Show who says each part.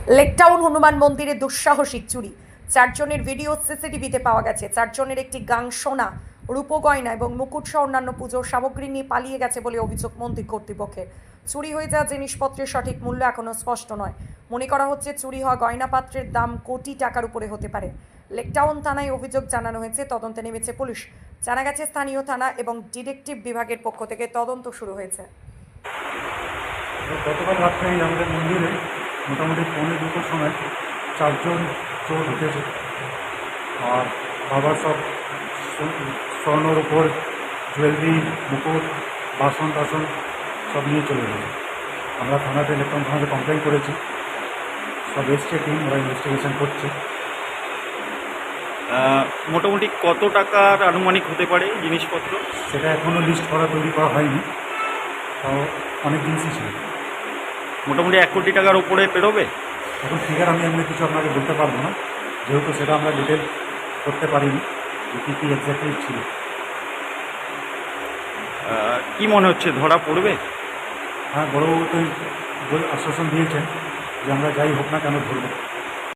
Speaker 1: লেকটাউন হনুমান মন্দিরে দুঃসাহসিক চুরি, চারজনের ভিডিও সিসিটিভিতে পাওয়া গেছে। চারজনের একটি গাং সোনা, রূপগয়না এবং মুকুট সহ অন্যান্য পুজোর সামগ্রী নিয়ে পালিয়ে গেছে বলে অভিযোগ মন্দির কর্তৃপক্ষের। চুরি হয়ে যাওয়া জিনিসপত্রের সঠিক মূল্য এখনও স্পষ্ট নয়। মনে করা হচ্ছে চুরি হওয়া গয়নাপাত্রের দাম কোটি টাকার উপরে হতে পারে। লেকটাউন থানায় অভিযোগ জানানো হয়েছে, তদন্তে নেমেছে পুলিশ। জানা গেছে স্থানীয় থানা এবং ডিটেকটিভ বিভাগের পক্ষ থেকে তদন্ত শুরু হয়েছে।
Speaker 2: গতকাল রাত্রে আমাদের মন্দিরে মোটামুটি 1:45 সময় 4জন চোর ঢুকেছে। আর বাবার সব স্বর্ণর উপর জুয়েলারি, মুকুট, বাসন টাসন সব নিয়ে চলে গেছে। আমরা থানাতে লেকটাউন থানাতে কমপ্লেন করেছি, সব এসছে টিম, ওরা ইনভেস্টিগেশন করছে।
Speaker 3: মোটামুটি কত টাকার আনুমানিক হতে পারে জিনিসপত্র?
Speaker 2: সেটা এখনও লিস্ট তৈরি করা হয়নি, তাও অনেক জিনিসই ছিল।
Speaker 3: মোটামুটি 1 কোটি টাকার উপরে পেরোবে।
Speaker 2: এখন ফিগার আমি এমনি কিছু আপনাকে বলতে পারবো না, যেহেতু সেটা আমরা ডিটেল করতে পারিনি যে কী কী এক্স্যাক্টলি ছিল।
Speaker 3: কি মনে হচ্ছে ধরা পড়বে?
Speaker 2: হ্যাঁ, বড়বাবু তো আশ্বাসন দিয়েছেন যে আমরা যাই হোক না কেন ধরবো।